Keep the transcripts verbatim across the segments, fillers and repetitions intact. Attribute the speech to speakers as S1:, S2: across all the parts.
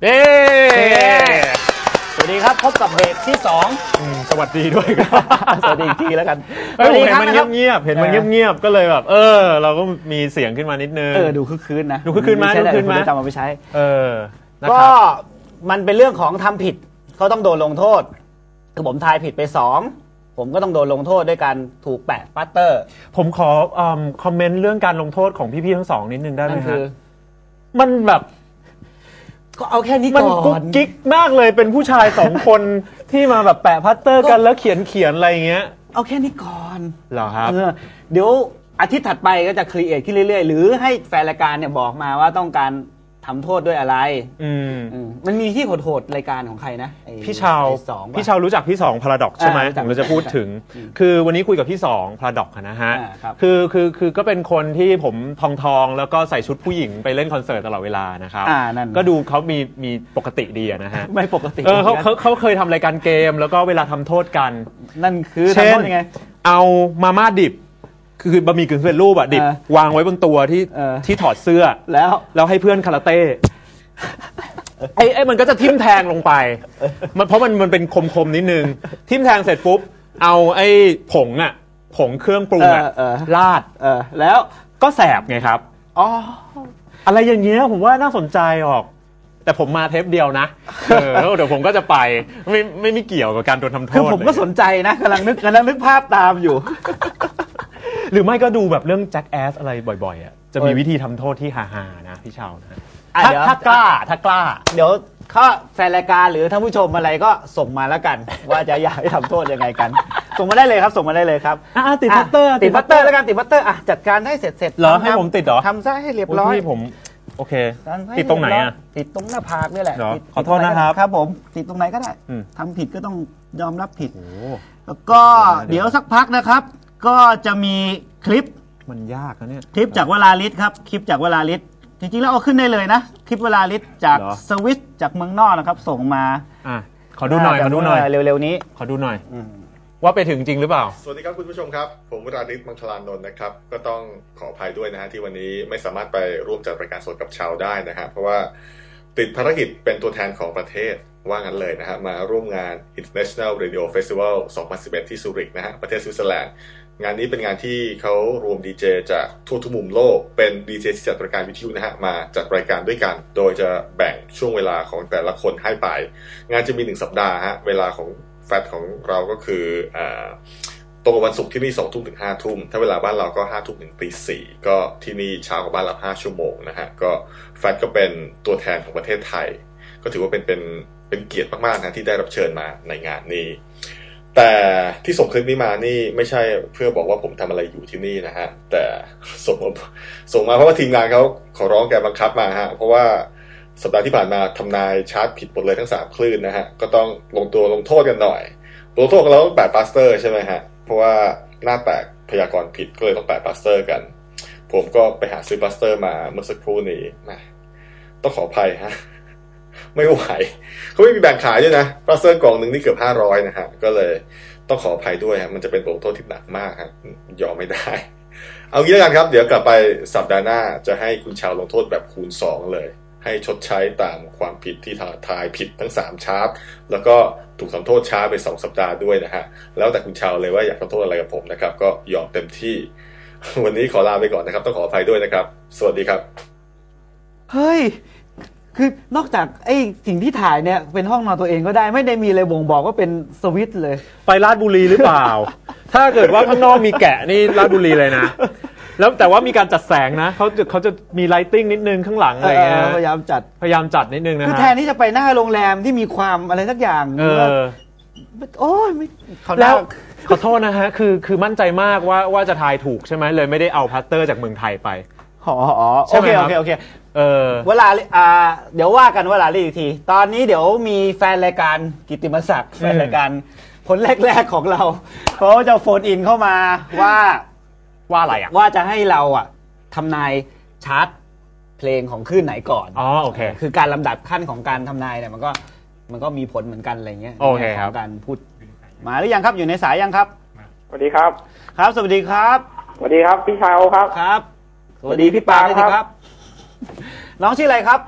S1: เย้สวัสดีครับพบกับเบรกที่สอง
S2: สวัสดีด้วยครับ
S1: สวัสดีอีกทีแล้วกัน
S2: เห็นมันเงียบๆเห็นมันเงียบๆก็เลยแบบเออเราก็มีเสียงขึ้นมานิดนึง
S1: เออดูคึกคืนนะ
S2: ดูคึกคืนมาดูคึกคืนมา
S1: จำมาไปใช้
S2: เออ
S1: ก็มันเป็นเรื่องของทำผิดเขาต้องโดนลงโทษคือผมทายผิดไปสองผมก็ต้องโดนลงโทษด้วยการถูกแปะปัตเตอร์
S2: ผมขอคอมเมนต์เรื่องการลงโทษของพี่ๆทั้งสองนิดนึงได้ไหม
S1: ครับ
S2: มันแบบ
S1: ก็เอาแค่นี้ก่อน
S2: มันกุ๊กกิ๊กมากเลยเป็นผู้ชายสองคนที่มาแบบแปะพัตเตอร์กันแล้วเขียนเขียนอะไรเงี้ย
S1: เอาแค่นี้ก่อน
S2: เหรอครับ
S1: เดี๋ยวอาทิตย์ถัดไปก็จะครีเอทขึ้นเรื่อยๆหรือให้แฟนรายการเนี่ยบอกมาว่าต้องการทำโทษด้วยอะไรอืมมันมีที่โหดๆรายการของใครนะ
S2: พี่ชาวพี่ชาวรู้จักพี่สองพาราดอกใช่ไหมผมเราจะพูดถึงคือวันนี้คุยกับพี่สองพาราดอกนะฮะคือคือคือก็เป็นคนที่ผมทองทองแล้วก็ใส่ชุดผู้หญิงไปเล่นคอนเสิร์ตตลอดเวลานะครับก็ดูเขามีมีปกติดีนะฮะ
S1: ไม่ปกติ
S2: เออเขาเขาเขาเคยทำรายการเกมแล้วก็เวลาทำโทษกัน
S1: นั่นคือทำโทษยังไง
S2: เอามาม่าดิบคือบะหมี่กึ่งสำเร็จรูปอะดิบวางไว้บนตัวที่ที่ถอดเสื้อ
S1: แล้ว
S2: แล้วให้เพื่อนคาราเต้ไอ้ไอ้มันก็จะทิ่มแทงลงไปมันเพราะมันมันเป็นคมๆนิดนึงทิ่มแทงเสร็จปุ๊บเอาไอ้ผงอะผงเครื่องปรุงอะราด
S1: แล้ว
S2: ก็แสบไงครับ
S1: อ๋อ
S2: อะไรอย่างเงี้ยผมว่าน่าสนใจออกแต่ผมมาเทปเดียวนะเออเดี๋ยวผมก็จะไปไม่ไม่ไม่เกี่ยวกับการโดนทำโทษ
S1: คือผมก็สนใจนะกำลังนึกกำลังนึกภาพตามอยู่
S2: หรือไม่ก็ดูแบบเรื่องแจ็คแอสอะไรบ่อยๆอ่ะจะมีวิธีทำโทษที่ฮาๆนะพี่ชาวนะ
S1: ถ้าถ้ากล้าถ้ากล้าเดี๋ยวถ้าแฟนรายการหรือท่านผู้ชมอะไรก็ส่งมาแล้วกันว่าจะอยากให้ทำโทษยังไงกันส่งมาได้เลยครับส่งมาได้เลยครับ
S2: ติดพัตเตอร์
S1: ติดพัตเตอร์แล้วกันติดพัตเตอร์อ่ะจัดการให้เสร็จเสร็จ
S2: เหรอให้ผมติดเหรอ
S1: ทำซะให้เรียบร้อย
S2: ผมโอเคติดตรงไหนอ่ะ
S1: ติดตรงหน้าผากนี่แหละ
S2: ขอโทษนะครับ
S1: ครับผมติดตรงไหนก็ได้ทำผิดก็ต้องยอมรับผิดแล้วก็เดี๋ยวสักพักนะครับก็จะมีคลิป
S2: มันยากนะเนี่ย
S1: คลิปจากวลาลิศครับคลิปจากวลาลิศจริงๆแล้วเอาขึ้นได้เลยนะคลิปวลาลิศจากสวิสจากเมืองนอกนะครับส่งมา
S2: อ่ะขอดูหน่อยขอดูหน่อย
S1: เร็วๆนี้
S2: ขอดูหน่อยว่าไปถึงจริงหรือเปล่า
S3: สวัสดีครับคุณผู้ชมครับผมวรานิช มังคลานนท์นะครับก็ต้องขออภัยด้วยนะฮะที่วันนี้ไม่สามารถไปร่วมจัดรายการสดกับชาวได้นะฮะเพราะว่าติดภารกิจเป็นตัวแทนของประเทศว่างั้นเลยนะฮะมาร่วมงาน International Radio Festival สองพันสิบเอ็ดที่ซูริกนะฮะประเทศสวิตเซอร์แลนด์งานนี้เป็นงานที่เขารวมดีเจจากทั่วทุกมุมโลกเป็นดีเจที่จัดรายการวิทยุนะฮะมาจัดรายการด้วยกันโดยจะแบ่งช่วงเวลาของแต่ละคนให้ไปงานจะมีหนึ่งสัปดาห์ฮะเวลาของแฟตของเราก็คืออ่าตรงกับวันศุกร์ที่นี่สองทุ่มถึงห้าทุ่มถ้าเวลาบ้านเราก็ห้าทุ่มถึงตีสี่ก็ที่นี่เช้ากว่าบ้านเราห้าชั่วโมงนะฮะก็แฟตก็เป็นตัวแทนของประเทศไทยก็ถือว่าเป็นเป็นเป็นเกียรติมากๆนะที่ได้รับเชิญมาในงานนี้แต่ที่ส่งคลิปนี้มานี่ไม่ใช่เพื่อบอกว่าผมทำอะไรอยู่ที่นี่นะฮะแต่ส่งส่งมาเพราะว่าทีมงานเขาขอร้องแกบังคับมาฮะเพราะว่าสัปดาห์ที่ผ่านมาทำนายชาร์จผิดหมดเลยทั้งสามคลื่นนะฮะก็ต้องลงตัวลงโทษกันหน่อยลงโทษกันแล้วต้องแปะพลาสเตอร์ใช่ไหมฮะเพราะว่าหน้าแตกพยากรณ์ผิดก็เลยต้องแปะพลาสเตอร์กันผมก็ไปหาซื้อพลาสเตอร์มาเมื่อสักครู่นี้นะต้องขออภัยฮะไม่ไหวเขาไม่มีแบ่งขายด้วยนะพลาสเตอร์กล่องหนึ่งนี่เกือบห้าร้อยนะฮะก็เลยต้องขออภัยด้วยฮะมันจะเป็นบทลงโทษที่หนักมากครับยอมไม่ได้เอางี้แล้วกันครับเดี๋ยวกลับไปสัปดาห์หน้าจะให้คุณชาวลงโทษแบบคูณสองเลยให้ชดใช้ตามความผิดที่ทายผิดทั้งสามชาร์ปแล้วก็ถูกทำโทษช้าไปสองสัปดาห์ด้วยนะฮะแล้วแต่คุณชาวเลยว่าอยากทำโทษอะไรกับผมนะครับก็ยอมเต็มที่วันนี้ขอลาไปก่อนนะครับต้องขออภัยด้วยนะครับสวัสดีครับ
S1: เฮ้ยคือนอกจากไอ้สิ่งที่ถ่ายเนี่ยเป็นห้องนอนตัวเองก็ได้ไม่ได้มีอะไรบ่งบอกว่าเป็นสวิตเลย
S2: ไปราชบุรีหรือเปล่า ถ้าเกิดว่าข้างนอกมีแกะนี่ราชบุรีเลยนะแล้วแต่ว่ามีการจัดแสงนะเขาจะเขาจะมีไลติ้งนิดนึงข้างหลังอะไรเงี้ย
S1: พยายามจัด
S2: พยายามจัดนิดนึงนะ
S1: คือแทนที่จะไปหน้าโรงแรมที่มีความอะไรสักอย่าง
S2: เออ
S1: โอ้ยไม่
S2: แล้วขอโทษนะฮะคือคือมั่นใจมากว่าว่าจะทายถูกใช่ไหมเลยไม่ได้เอาพลาสเตอร์จากเมืองไทยไป
S1: อ๋อโอเคโอเคโอเค
S2: เออ
S1: เวลาอ่าเดี๋ยวว่ากันเวลาอีกทีตอนนี้เดี๋ยวมีแฟนรายการกิตติมศักดิ์แฟนรายการคนแรกๆของเราเขาจะโฟนอินเข้ามาว่า
S2: ว่าอะไรอ่ะ
S1: ว่าจะให้เราอ่ะทำนายชาร์ตเพลงของคลื่นไหนก่อน
S2: อ๋อโอเค
S1: คือการลำดับขั้นของการทำนายเนี่ยมันก็มันก็มีผลเหมือนกันอะไรเงี้ย
S2: โอเคครับ
S1: การพูดมาหรือยังครับอยู่ในสายยังครับ
S4: สวัสดีครับ
S1: ครับสวัสดีครับ
S4: สวัสดีครับพี่ชาวครับ
S1: ครับสวัสดีพี่ปาครับน้องชื่ออะไรครับ
S4: ช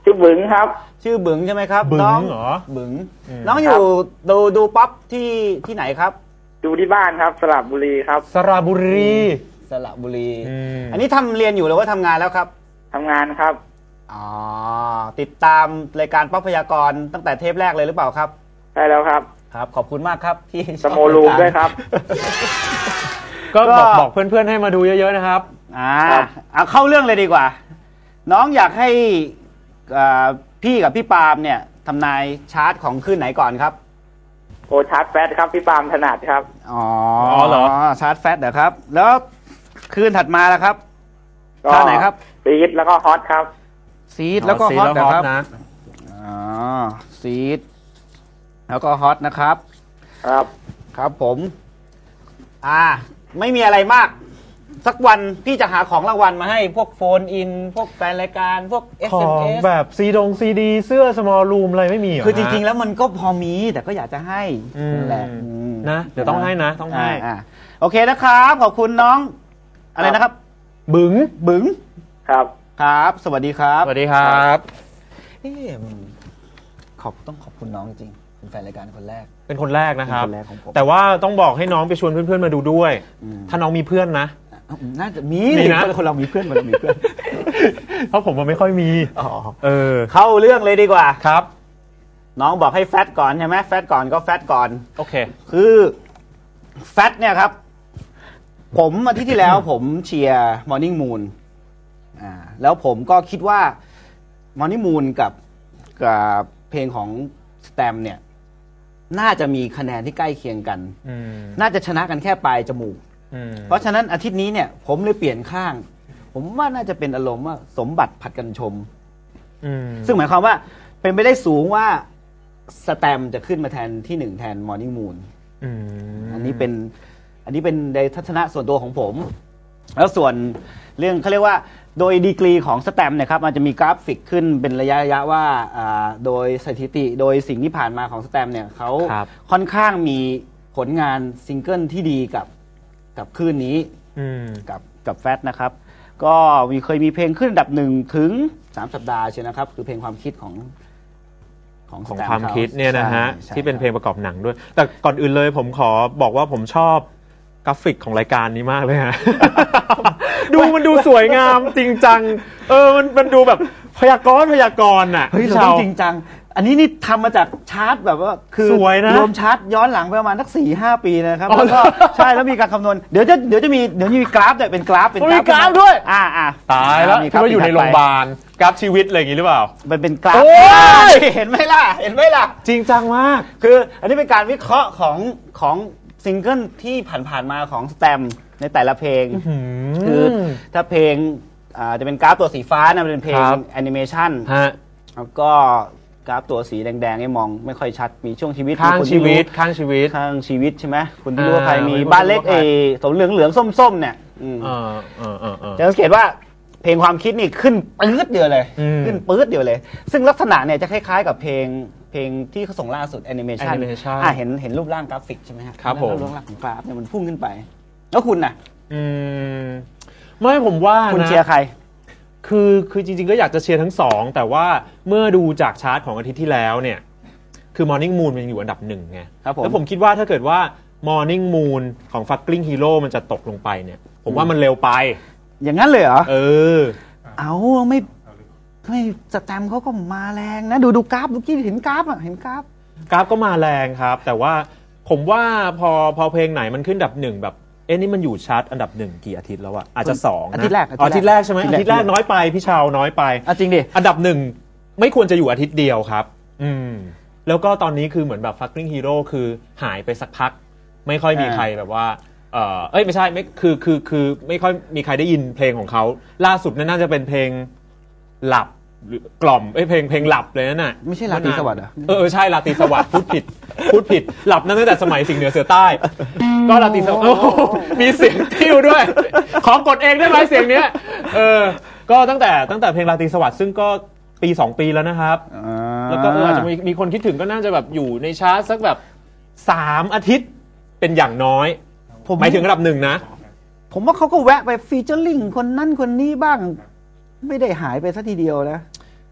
S4: ชื่อบึงครับ
S1: ชื่อบึงใช่ไหมครับ
S2: บึง
S1: น้อง
S2: เหรอ
S1: บึงน้องอยู่ดูดูป๊อปที่ที่ไหนครับ
S4: ดูที่บ้านครับสระบุรีครับ
S2: สระบุรี
S1: สระบุรีอันนี้ทำเรียนอยู่หรือว่าทำงานแล้วครับ
S4: ทำงานครับ
S1: อ๋อติดตามรายการป๊อปพยากรณ์ตั้งแต่เทปแรกเลยหรือเปล่าครับ
S4: ใช่แล้วครับ
S1: ครับขอบคุณมากครับที่
S4: สโมลูมด้วยครับ
S2: ก็บอกบอกเพื่อนๆให้มาดูเยอะๆนะครับ
S1: อ่าเอาเข้าเรื่องเลยดีกว่าน้องอยากให้พี่กับพี่ปาล์มเนี่ยทำนายชาร์ตของคืนไหนก่อนครับ
S4: โอชาร์ตแฟตครับพี่ปาล์มถนัดครับ
S1: อ๋อเหรอชาร์ตแฟตเหรอครับแล้วคืนถัดมาแล้วครับชาร์ตไหนครับ
S4: ซีดแล้วก็ฮอตครับ
S1: ซีดแล้วก็ฮอตนะครับอ๋อซีดแล้วก็ฮอตนะครับ
S4: ครับ
S1: ครับผมอ่าไม่มีอะไรมากสักวันพี่จะหาของรางวัลมาให้พวกโฟนอินพวกแฟนรายการพวก เอส เอ็ม เอส
S2: ของแบบซีดงซีดีเสื้อสมอลรูมอะไรไม่มี
S1: คือจริงๆแล้วมันก็พอมีแต่ก็อยากจะให้แหละ
S2: นะเดี๋ยวต้องให้นะต้องให้
S1: อ่าโอเคนะครับขอบคุณน้องอะไรนะครับ
S2: บึง
S1: บึง
S4: ครับ
S1: ครับสวัสดีครับ
S2: สวัสดีครับ
S1: เอ๊ะขอบต้องขอบคุณน้องจริงเป็นแฟนรายการคนแรก
S2: เป็นคนแรกนะครับแต่ว่าต้องบอกให้น้องไปชวนเพื่อนๆมาดูด้วยถ้าน้องมีเพื่อนนะ
S1: น่าจะมีนะคนเรามีเพื่อนมันมีเพื่อน
S2: เพราะผมมันไม่ค่อยมีเออ
S1: เข้าเรื่องเลยดีกว่า
S2: ครับ
S1: น้องบอกให้แฟตก่อนใช่ไหมแฟตก่อนก็แฟตก่อน
S2: โอเค
S1: คือแฟตเนี่ยครับผมอาทิตย์ที่แล้วผมเชียร์มอร์นิ่งมูนอ่าแล้วผมก็คิดว่ามอร์นิ่งมูนกับกับเพลงของสแตมเนี่ยน่าจะมีคะแนนที่ใกล้เคียงกันน่าจะชนะกันแค่ปลายจมูกเพราะฉะนั้นอาทิตย์นี้เนี่ยผมเลยเปลี่ยนข้างผมว่าน่าจะเป็นอารมณ์ว่าสมบัติผัดกันชมซึ่งหมายความว่าเป็นไปได้สูงว่าสแตมจะขึ้นมาแทนที่หนึ่งแทนมอร์นิ่งมูนอันนี้เป็นอันนี้เป็นในทัศนะส่วนตัวของผมแล้วส่วนเรื่องเขาเรียกว่าโดยดีกรีของสแตมเนี่ยครับมันจะมีกราฟิกขึ้นเป็นระยะระยะว่าโดยสถิติโดยสิ่งที่ผ่านมาของสแตมเนี่ยเขาค่อนข้างมีผลงานซิงเกิลที่ดีกับกับคลื่นนี้กับกับแฟตนะครับก็มีเคยมีเพลงขึ้นอันดับหนึ่งถึงสามสัปดาห์ใช่นะครับคือเพลงความคิดของ
S2: ของของความคิดเนี่ยนะฮะที่เป็นเพลงประกอบหนังด้วยแต่ก่อนอื่นเลยผมขอบอกว่าผมชอบกราฟิกของรายการนี้มากเลยฮะ ดูมันดูสวยงามจริงจังเออมันมันดูแบบพยากรณ์พยากรณ์อ่ะ
S1: เฮ้ยเราต้องจริงจังอันนี้นี่ทำมาจากชาร์ตแบบว่าคือ
S2: สวยนะ
S1: รวมชาร์ตย้อนหลังไปประมาณสักสี่ห้าปีนะครับแล้วก็ใช่แล้วมีการคำนวณเดี๋ยวจะเดี๋ยวจะมีเดี๋ยวมีกราฟด้วยเป็นกราฟเป็น
S2: กราฟด้วย
S1: อ่าอ่า
S2: ตายแล้วคิดว่าอยู่ในโรงพยาบาลกราฟชีวิตอะไรอย่างนี้หรือเปล่า
S1: มันเป็นกราฟเห็นไหมล่ะเห็นไหมล่ะ
S2: จริงจังมาก
S1: คืออันนี้เป็นการวิเคราะห์ของของซิงเกิลที่ผ่านๆมาของสแตมในแต่ละเพลงคือถ้าเพลงจะเป็นกราฟตัวสีฟ้านะเป็นเพลงแอนิเมชันแล้วก็กราฟตัวสีแดงๆให้มองไม่ค่อยชัดมีช่วงชีวิต
S2: ข้างชีวิตข้างชีวิต
S1: ข้างชีวิตใช่ไหมคุณที่รู้ว่าใครมีบ้านเล็กเอสมเหลืองเหลืองส้มๆเนี่ยจะสังเกตว่าเพลงความคิดนี่ขึ้นปื๊ดเดียวเลยขึ้นปื๊ดเดียวเลยซึ่งลักษณะเนี่ยจะคล้ายๆกับเพลงเพลงที่เขาส่งล่าสุดแอนิเมชันอ่าเห็นเห็นรูปร่างกราฟิกใช่ไหม
S2: ครับผม
S1: รูปร่างของกราฟเนี่ยมันพุ่งขึ้นไปแล้วคุณน่ะ
S2: อืมไม่ผมว่า
S1: คุณเชียร์ใคร
S2: คือคือจริงๆก็อยากจะเชียร์ทั้งสองแต่ว่าเมื่อดูจากชาร์ตของอาทิตย์ที่แล้วเนี่ยคือ Morning Moon มันอยู่อันดับหนึ่งไงแล้วผมคิดว่าถ้าเกิดว่า Morning Moon ของ Fucking Hero มันจะตกลงไปเนี่ยผมว่ามันเร็วไป
S1: อย่างนั้นเลยเหรอ
S2: เออ
S1: เอาไม่ไม่สแตมเขาก็มาแรงนะดูดูกราฟเมื่อกี้เห็นกราฟอ่ะเห็นกราฟ
S2: กราฟก็มาแรงครับแต่ว่าผมว่าพอพอเพลงไหนมันขึ้นอันดับหนึ่งแบบเอ๊ะนี่มันอยู่ชาร์ตอันดับหนึ่งกี่อาทิตย์แล้วอะอาจจะสองนะ
S1: อาทิตย์แรก
S2: อาทิตย์แรกใช่ไหมอาทิตย์แรกน้อยไปพี่ชาวน้อยไป
S1: จริงดิ
S2: อันดับหนึ่งไม่ควรจะอยู่อาทิตย์เดียวครับอืมแล้วก็ตอนนี้คือเหมือนแบบ Fucking Hero คือหายไปสักพักไม่ค่อยมีใครแบบว่าเออเอ้ยไม่ใช่ไม่คือคือคือไม่ค่อยมีใครได้ยินเพลงของเขาล่าสุดนั่นน่าจะเป็นเพลงหลับหรือกล่อมเอ้ยเพลงเพลงหลับเลยนั่นน่ะ
S1: ไม่ใช่ราตรีสวัสดิ์อ่ะ
S2: เออใช่ราตรีสวัสดิ์พูดผิดพูดผิดหลับนั่นตั้งแต่สมัยสิงห์เหนือเสือใต้ก็ราตรีสวัสดิ์มีเสียงติ้วด้วยขอกดเองได้ไหมเสียงเนี้ยเออก็ตั้งแต่ตั้งแต่เพลงราตรีสวัสดิ์ซึ่งก็ปีสองปีแล้วนะครับแล้วก็อาจจะมีมีคนคิดถึงก็น่าจะแบบอยู่ในชาร์ตสักแบบสามอาทิตย์เป็นอย่างน้อยผมหมายถึงระดับหนึ่งนะ
S1: ผมว่าเขาก็แวะไปฟีเจอริ่งคนนั่นคนนี้บ้างไม่ได้หายไปซะทีเดียวนะ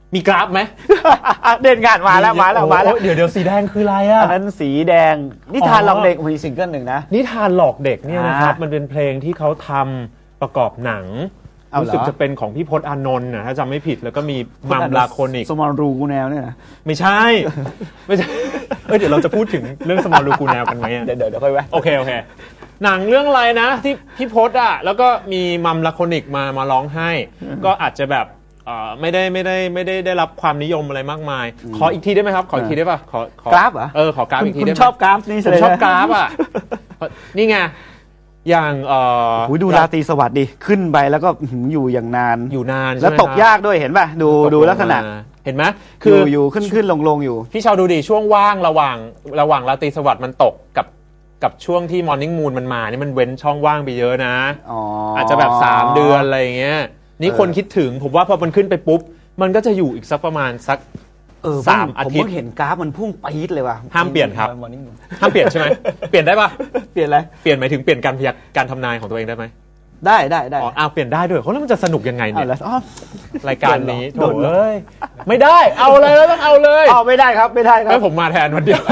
S2: มีกราฟไหม
S1: เด่นงานมาแล้วมาแล้วมาแล้ว
S2: เดี๋ยวเดี๋ยวสีแดงคืออะไรอ่ะ
S1: อันนั้นสีแดงนิทานหลอกเด็กมีซิงเกิลหนึ่งนะ
S2: นิทานหลอกเด็กเนี่ยนะครับ
S1: อ่ามั
S2: มันเป็นเพลงที่เขาทำประกอบหนัง
S1: เอาเหรอ
S2: รู้สึกจะเป็นของพี่พจน์อานนท์นะถ้าจำไม่ผิดแล้วก็มีมัมลาโคนิก
S1: สมอลรูกูแนวเนี่ยนะ
S2: ไม่ใช่ ไม่ใช่เอ้ยเดี๋ยวเราจะพูดถึงเรื่องสมอลลูกูแนวกันไหมอะ
S1: เดี๋ยวเดี๋ยวเดี๋ยวค่อยแวะ
S2: โอเคโอเคหนังเรื่องอะไรนะที่พี่พจน์อ่ะแล้วก็มีมัมลาโคนิกมามาร้องให้ ก็อาจจะแบบเอ่อไม่ได้ไม่ได้ไม่ได้ได้รับความนิยมอะไรมากมาย ขออีกทีได้ไหมครับขออีกทีได้ป่ะขอขอก
S1: ราฟเหรอ
S2: เออขอกราฟอีกที
S1: คุณ
S2: ได้ไหม
S1: ชอบกราฟนี่
S2: ผมชอบกราฟอ่ะนี่ไงอย่างเอ่อ
S1: หูดูราตรีสวัสดิ์ดิขึ้นไปแล้วก็หืมอยู่อย่างนาน
S2: อยู่นาน
S1: แล้ว
S2: ใช่ไหม
S1: ตกยากด้วยเห็นป่ะดู
S2: ครับ
S1: ดูลักษณะ
S2: ตกลงมาเห็นไหม
S1: คื
S2: คือ อ
S1: อยู่ขึ้นขึ้นลงลงอยู่
S2: พี่ชาวดูดิช่วงว่างระหว่างระหว่างราตรีสวัสดิ์มันตกกับกับช่วงที่มอร์นิ่งมูนมันมานี่มันเว้นช่องว่างไปเยอะนะ
S1: อ๋ออ
S2: อาจจะแบบสามเดือนอะไรอย่างเงี้ยนี่
S1: เออ
S2: คนคิดถึงผมว่าพอมันขึ้นไปปุ๊บมันก็จะอยู่อีกสักประมาณสัก
S1: เออ
S2: สามอาทิตย์
S1: ผมเพิ่งเห็นกราฟมันพุ่งปี๊ดเลยว่ะ
S2: ห้ามเปลี่ยนครับ
S1: Morning Moon
S2: ห้ามเปลี่ยนใช่ไหม เปลี่ยนได้ปะ
S1: เปลี่ยนอะไร
S2: เปลี่ยนหมายถึงเปลี่ยนการพยักการทำนายของตัวเองได้ไหม
S1: ได้ได้ได้
S2: อ๋ออ้าวเปลี่ยนได้ด้วยเขาแล้วมันจะสนุกยังไง
S1: เอา
S2: เนี่ย
S1: แล้วอ๋อ
S2: รายการนี้
S1: โด
S2: โถ่
S1: นเหรอ
S2: เอ้ยไม่ได้เอาเลยแล้วต้องเอาเลย
S1: อ๋อไม่ได้ครับไม่ได้ครั
S2: ให้
S1: บ
S2: ผมมาแทนวันเดียว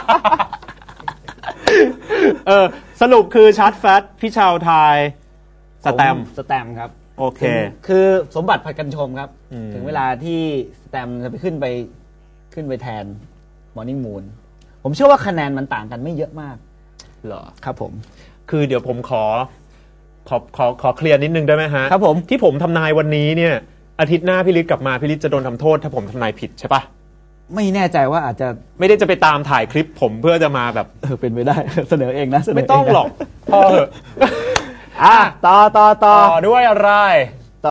S2: เออสรุปคือชาร์จแฟตพี่ชาวไทยสแตมป์
S1: สแตมป์ครับ
S2: โอเค
S1: คือสมบัติผัดกันชมครับ
S2: อืม
S1: ถึงเวลาที่สแตมป์จะไปขึ้นไปขึ้นไปแทน Morning Moon ผมเชื่อว่าคะแนนมันต่างกันไม่เยอะมาก
S2: เหรอ
S1: ครับผม
S2: คือเดี๋ยวผมขอขอขอขอเคลียร์นิดนึงได้ไหมฮะ
S1: ครับผม
S2: ที่ผมทำนายวันนี้เนี่ยอาทิตย์หน้าพี่ฤทธิ์กลับมาพี่ฤทธิ์จะโดนทำโทษถ้าผมทำนายผิดใช่ปะ
S1: ไม่แน่ใจว่าอาจจะ
S2: ไม่ได้จะไปตามถ่ายคลิปผมเพื่อจะมาแบบ
S1: เออเป็นไปได้ เสนอเองนะเสนอ
S2: ไม่
S1: เนะ
S2: ต้องหรอกพอเถอะ
S1: อ่ะต่อต่อต่อ
S2: ต่อด้วยอะไร